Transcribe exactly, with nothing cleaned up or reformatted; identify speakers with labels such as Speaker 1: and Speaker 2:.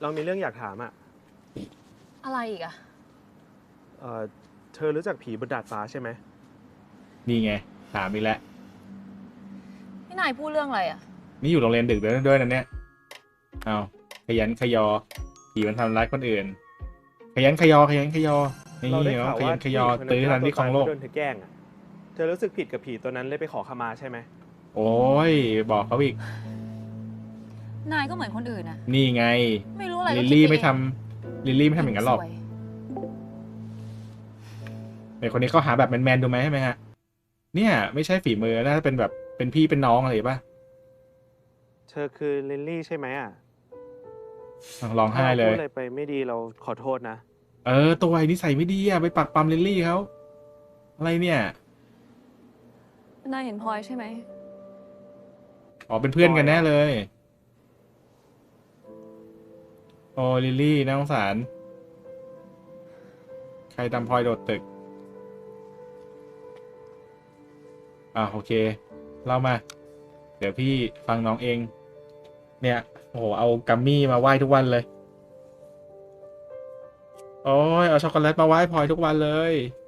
Speaker 1: เรามีเรื่องอยากถามอ่ะ
Speaker 2: อะไรอีกอะ
Speaker 1: เออเธอรู้จักผีบนดาดฟ้าใช่ไหม
Speaker 3: นี่ไงถามอีกแล้ว
Speaker 2: พี่นายพูดเรื่องอะไรอะ
Speaker 3: นี่อยู่โรงเรียนดึกด้วยด้วยนะเนี่ยเอาขยันขยอผีมันทำร้ายคนอื่นขยันขยอขยันขยอนี่
Speaker 1: เราได้
Speaker 3: เนาะ
Speaker 1: ข่าว
Speaker 3: ข
Speaker 1: ว่า
Speaker 3: ยันขยอ
Speaker 1: ผู้ห
Speaker 3: ตื้อ
Speaker 1: ญิงคน
Speaker 3: ทั
Speaker 1: นั้น น
Speaker 3: ที่ครองโลก
Speaker 1: โดนเธอแกล้งอ่ะเธอรู้สึกผิดกับผีตัวนั้นเลยไปขอขมาใช่ไหม
Speaker 3: โอ้ยบอกเขาอีก
Speaker 2: นายก็เหมือนคนอื่นอะ
Speaker 3: นี่ไง
Speaker 2: ไม่รู้อะไร
Speaker 3: ลิ
Speaker 2: ก็
Speaker 3: ล
Speaker 2: คิด
Speaker 3: ลี่
Speaker 2: ป
Speaker 3: ไม่
Speaker 2: เอง
Speaker 3: ทำลิลลี่ไม่ทำอย่างนั้นหรอก
Speaker 2: สวย
Speaker 3: แต่คนนี้เขาหาแบบแมนๆดูไหมใช่ไหมฮะเนี่ยไม่ใช่ฝีมือน่าจะเป็นแบบเป็นพี่เป็นน้องอะไรป่ะ
Speaker 1: เธอคือลิลลี่ใช่ไหมอ่ะ
Speaker 3: ร้องไห้เล
Speaker 1: ถ้าเราพูด
Speaker 3: ย
Speaker 1: อะไรไปไม่ดีเราขอโทษนะ
Speaker 3: เออตัวไอ้นิสัยไม่ดีอ่ะไปปักปั๊มลิลลี่เขาอะไรเนี่ย
Speaker 2: นายเห็นพลอยใช่ไหม
Speaker 3: อ๋อเป็นเพื่อนกันแน่เลยโอ้ลิลลี่น่าสงสารใครทำพลอยโดดตึกอ่าโอเคเล่ามาเดี๋ยวพี่ฟังน้องเองเนี่ยโอ้โหเอากัมมี่มาไหว้ทุกวันเลยโอ้ยเอาช็อกโกแลตมาไหว้พลอยทุกวันเลย